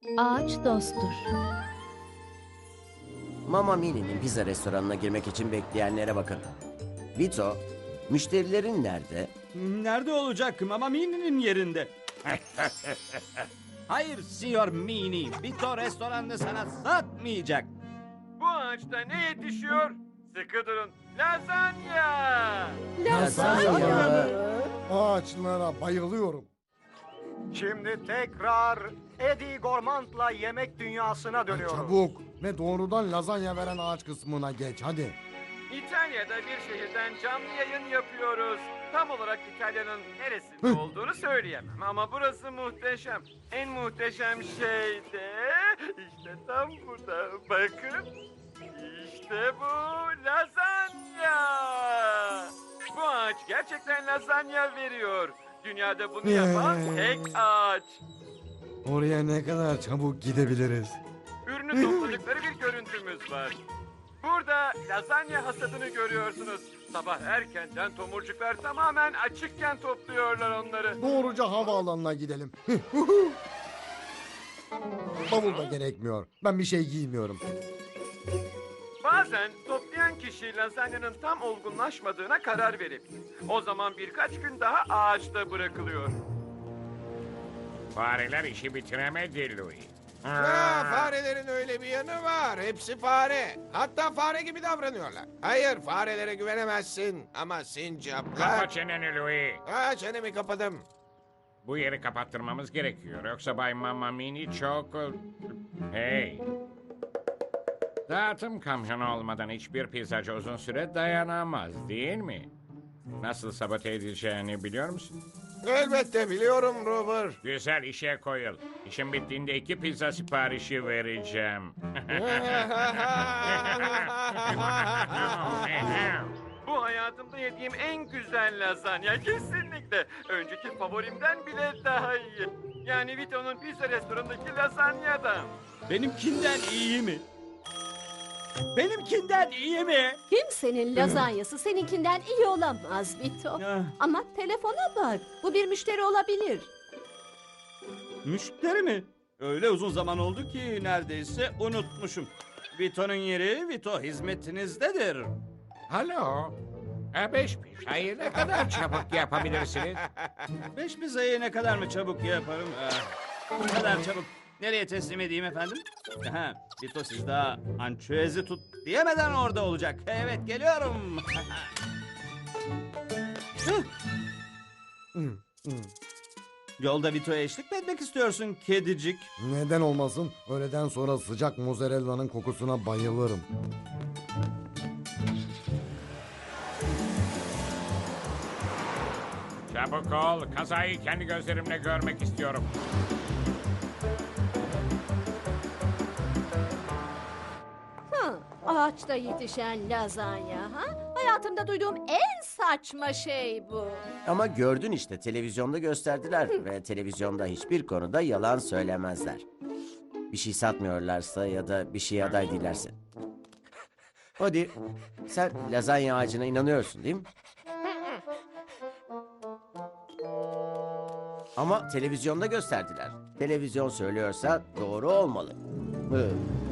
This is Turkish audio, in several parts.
Ağaç dosttur. Mamma Mini'nin pizza restoranına girmek için bekleyenlere bakın. Vito, müşterilerin nerede? Nerede olacak? Mamma Mini'nin yerinde. Hayır Signor Mini. Vito restoranını sana satmayacak. Bu ağaçta ne yetişiyor? Sıkı durun. Lazanya! Lazanya. Ağaçlara bayılıyorum. Şimdi tekrar Eddie Gormand'la yemek dünyasına dönüyoruz. Çabuk ve doğrudan lazanya veren ağaç kısmına geç hadi. İtalya'da bir şehirden canlı yayın yapıyoruz. Tam olarak İtalya'nın neresinde olduğunu söyleyemem ama burası muhteşem. En muhteşem şey de işte tam burada. Bakın. İşte bu lazanya. Bu ağaç gerçekten lazanya veriyor. Dünyada bunu yapan tek ağaç. Oraya ne kadar çabuk gidebiliriz? Ürünü topladıkları bir görüntümüz var. Burada lazanya hasadını görüyorsunuz. Sabah erkenden tomurcuklar tamamen açıkken topluyorlar onları. Doğruca havaalanına gidelim. Bavul da gerekmiyor. Ben bir şey giymiyorum. Bazen toplayan kişi lazanyanın tam olgunlaşmadığına karar verebilir. O zaman birkaç gün daha ağaçta bırakılıyor. Fareler işi bitiremedi Louis. Farelerin öyle bir yanı var. Hepsi fare. Hatta fare gibi davranıyorlar. Hayır, farelere güvenemezsin. Ama Kapa sincaplar... çeneni Louis. Çenemi kapadım. Bu yeri kapattırmamız gerekiyor. Yoksa Bay Mamma Mini çok... Hey. Dağıtım kamyonu olmadan hiçbir pizzacı uzun süre dayanamaz değil mi? Nasıl sabote edileceğini biliyor musun? Elbette biliyorum Robert. Güzel işe koyul. İşim bittiğinde 2 pizza siparişi vereceğim. Bu hayatımda yediğim en güzel lazanya kesinlikle. Önceki favorimden bile daha iyi. Yani Vito'nun pizza restoranındaki lazanyadan. Benimkinden iyi mi? Benimkinden iyi mi? Kimsenin lazanyası seninkinden iyi olamaz Vito. Ah, Ama telefona bak. Bu bir müşteri olabilir. Müşteri mi? Öyle uzun zaman oldu ki neredeyse unutmuşum. Vito'nun yeri Vito hizmetinizdedir. Alo. 5 pizzayı ne kadar çabuk yapabilirsiniz? 5 pizzayı ne kadar mı çabuk yaparım? Ne kadar çabuk. Nereye teslim edeyim efendim? Ha, Vito siz daha ançüezi tut diyemeden orada olacak. Evet geliyorum. Yolda Vito'ya eşlik mi etmek istiyorsun kedicik? Neden olmasın? Öğleden sonra sıcak mozzarella'nın kokusuna bayılırım. Çabuk ol. Kazayı kendi gözlerimle görmek istiyorum. Ağaçta yetişen lazanya ha? Hayatımda duyduğum en saçma şey bu. Ama gördün işte televizyonda gösterdiler ve televizyonda hiçbir konuda yalan söylemezler. Bir şey satmıyorlarsa ya da bir şeye aday değillerse. Hadi sen lazanya ağacına inanıyorsun değil mi? Ama televizyonda gösterdiler. Televizyon söylüyorsa doğru olmalı. Hı.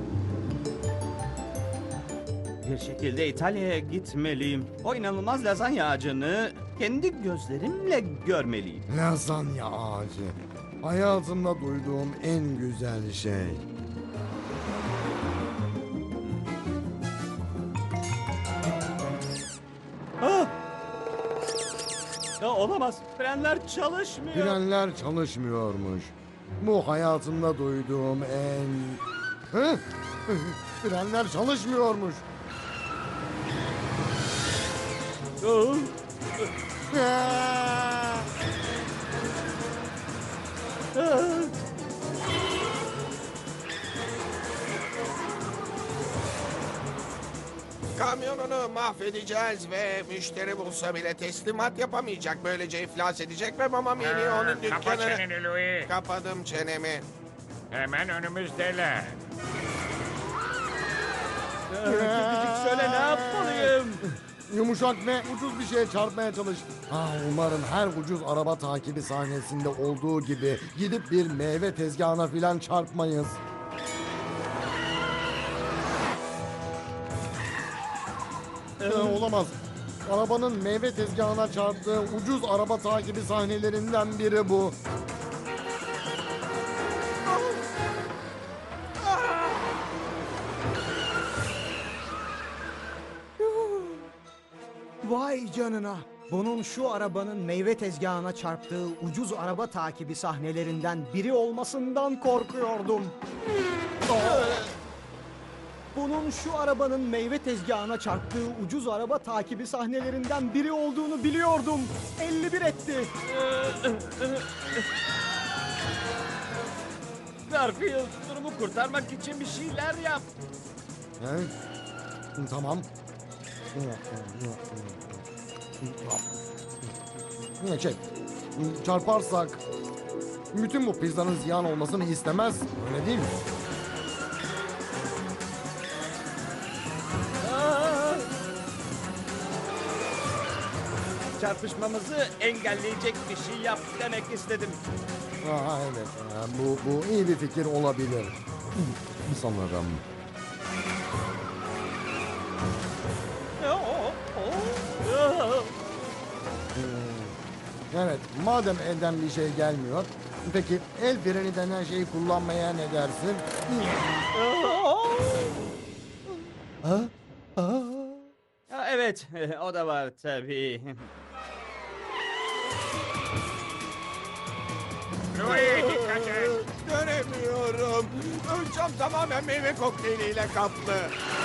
Bir şekilde İtalya'ya gitmeliyim. O inanılmaz lazanya ağacını kendi gözlerimle görmeliyim. Lazanya ağacı. Hayatımda duyduğum en güzel şey. Ah! Ya olamaz. Frenler çalışmıyor. Frenler çalışmıyormuş. Bu hayatımda duyduğum en... Hı? Frenler çalışmıyormuş. Oh! Ah! Kamyonunu mahvedeceğiz ve müşteri bulsa bile teslimat yapamayacak. Böylece iflas edecek ve Mamma Mini onun Kapa dükkanını... çeneni Louis. Kapadım çenemi. Hemen önümüzdeler. Kedicik söyle ne yapmalıyım? Yumuşak ve ucuz bir şeye çarpmaya çalış. Umarım her ucuz araba takibi sahnesinde olduğu gibi gidip bir meyve tezgahına filan çarpmayız. Olamaz. Arabanın meyve tezgahına çarptığı ucuz araba takibi sahnelerinden biri bu. Vay canına. Bunun şu arabanın meyve tezgahına çarptığı ucuz araba takibi sahnelerinden biri olmasından korkuyordum. Bunun şu arabanın meyve tezgahına çarptığı ucuz araba takibi sahnelerinden biri olduğunu biliyordum. 51 etti. Garfield, durumu kurtarmak için bir şeyler yap. He? Tamam. Çarparsak bütün bu pizzanın ziyan olmasını istemez. Öyle değil mi? Çarpışmamızı engelleyecek bir şey yap demek istedim. Evet. Bu iyi bir fikir olabilir. Sanırım. Evet, madem elden bir şey gelmiyor, peki el freni denen şeyi kullanmaya ne dersin? Ha, evet, o da var tabii. Göremiyorum. Ön cam tamamen meyve kokteyliyle kaplı.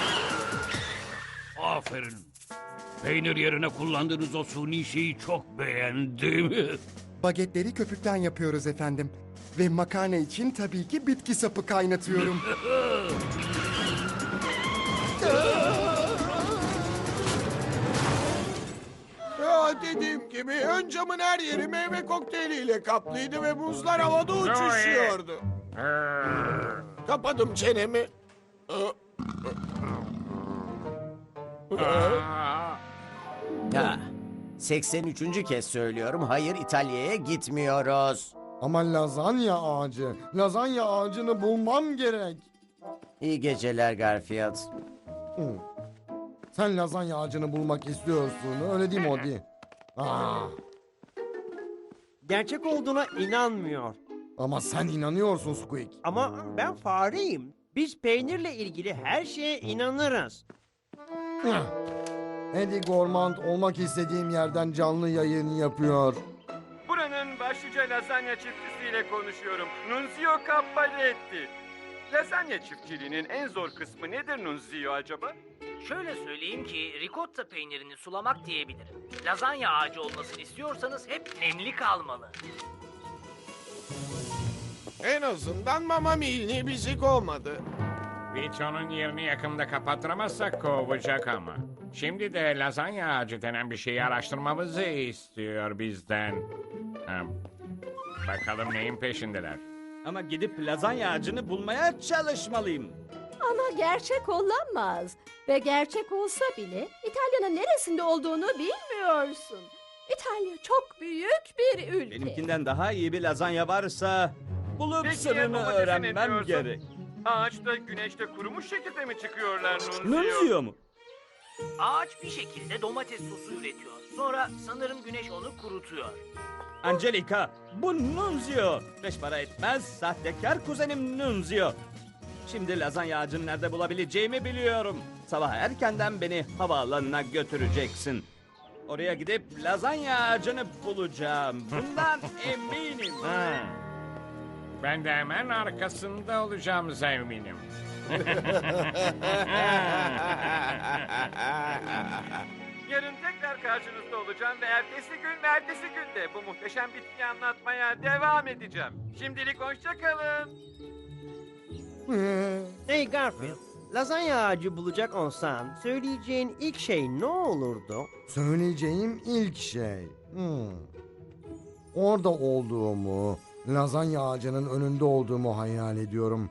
Aferin. Peynir yerine kullandığınız o suni şeyi çok beğendim. Bagetleri köpükten yapıyoruz efendim. Ve makarna için tabii ki bitki sapı kaynatıyorum. Ya dediğim gibi ön camın her yeri meyve kokteyliyle kaplıydı ve buzlar havada uçuşuyordu. Kapadım çenemi. Ha, 83. kez söylüyorum. Hayır, İtalya'ya gitmiyoruz. Ama lazanya ağacını bulmam gerek. İyi geceler Garfield. Sen lazanya ağacını bulmak istiyorsun, öyle değil mi Odi? Gerçek olduğuna inanmıyor. Ama sen inanıyorsun Squeak. Ama ben fareyim. Biz peynirle ilgili her şeye inanırız. Eddie Gormand olmak istediğim yerden canlı yayın yapıyor. Buranın başlıca lazanya çiftçisiyle konuşuyorum. Nunzio Cappelletti. Lazanya çiftçiliğinin en zor kısmı nedir Nunzio acaba? Şöyle söyleyeyim ki ricotta peynirini sulamak diyebilirim. Lazanya ağacı olmasını istiyorsanız hep nemli kalmalı. En azından Mama Milni bizi kovmadı. Vito'nun yerini yakında kapattıramazsak kovacak ama. Şimdi de lazanya ağacı denen bir şeyi araştırmamızı istiyor bizden. Bakalım neyin peşindeler. Ama gidip lazanya ağacını bulmaya çalışmalıyım. Ama gerçek olamaz. Ve gerçek olsa bile İtalya'nın neresinde olduğunu bilmiyorsun. İtalya çok büyük bir ülke. Benimkinden daha iyi bir lazanya varsa bulup Peki ya sırrını domatese ne öğrenmem diyorsun? gerek. Ağaçta güneşte kurumuş şekilde mi çıkıyorlar Nunzio? Nunzio mu? Ağaç bir şekilde domates sosu üretiyor. Sonra sanırım güneş onu kurutuyor. Angelica, bu Nunzio. Beş para etmez, sahtekar kuzenim Nunzio. Şimdi lazanya ağacını nerede bulabileceğimi biliyorum. Sabah erkenden beni havaalanına götüreceksin. Oraya gidip lazanya ağacını bulacağım. Bundan eminim. Ben de hemen arkasında olacağımıza eminim. Yarın tekrar karşınızda olacağım ve ertesi gün de bu muhteşem bitkiyi anlatmaya devam edeceğim. Şimdilik hoşça kalın. Hey Garfield, lazanya ağacı bulacak olsan söyleyeceğin ilk şey ne olurdu? Söyleyeceğim ilk şey. Orada olduğumu, lazanya ağacının önünde olduğumu hayal ediyorum.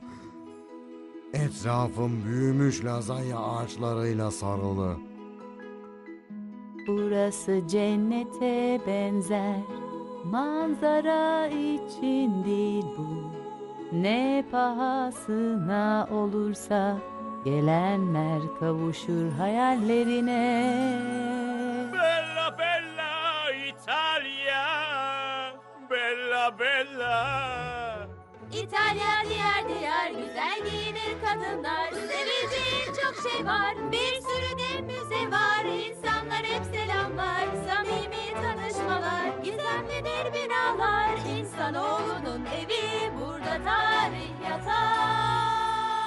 Etrafım büyümüş lazanya ağaçlarıyla sarılı. burası cennete benzer. Manzara için değil bu, ne pahasına olursa gelenler kavuşur hayallerine. Bella bella Italia, bella bella. İtalya diğer diğer güzel giyinir kadınlar. Seveceğin çok şey var, bir sürü de müze var. İnsanlar hep selamlar, samimi tanışmalar. Gizemlidir binalar, insanoğlunun evi. Burada tarih yatar.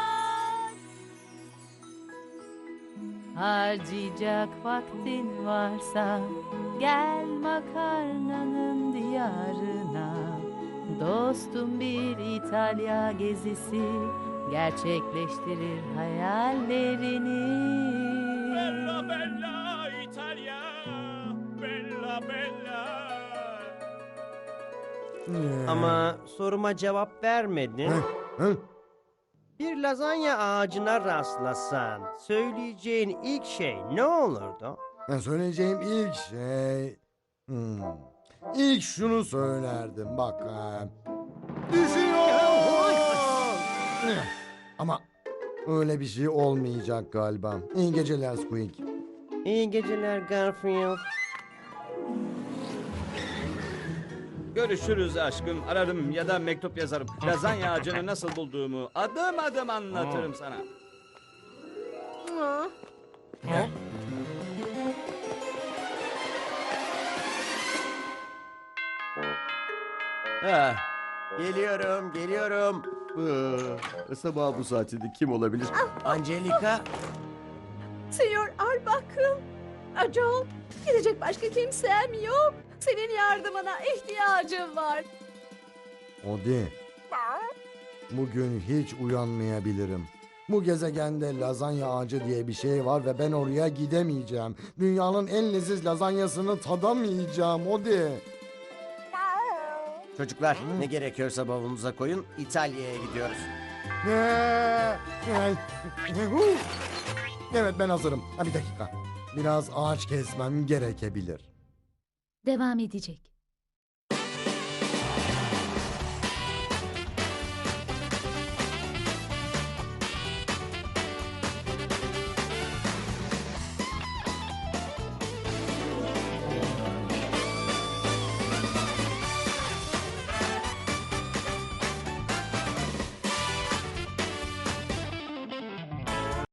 Harcayacak vaktin varsa gel makarnanın diyarına. Dostum bir İtalya gezisi gerçekleştirir hayallerini. Bella bella Italia, bella bella. Ama soruma cevap vermedin. Bir lazanya ağacına rastlasan söyleyeceğin ilk şey ne olurdu? Söyleyeceğim ilk şey... İlk şunu söylerdim bak. Düşüyor! Ama öyle bir şey olmayacak galiba. İyi geceler Squeak. İyi geceler Garfield. Görüşürüz aşkım. Ararım ya da mektup yazarım. Lazanya ağacını nasıl bulduğumu adım adım anlatırım sana. Ah, geliyorum. Sabah bu saatinde kim olabilir? Angelica. Senyor Arbuckle. Joel, gidecek başka kimsem yok. Senin yardımına ihtiyacım var. Odi. Bugün hiç uyanmayabilirim. Bu gezegende lazanya ağacı diye bir şey var ve ben oraya gidemeyeceğim. Dünyanın en leziz lazanyasını tadamayacağım Odi. Çocuklar ne gerekiyorsa bavulunuza koyun. İtalya'ya gidiyoruz. Evet ben hazırım. Bir dakika. Biraz ağaç kesmem gerekebilir. Devam edecek.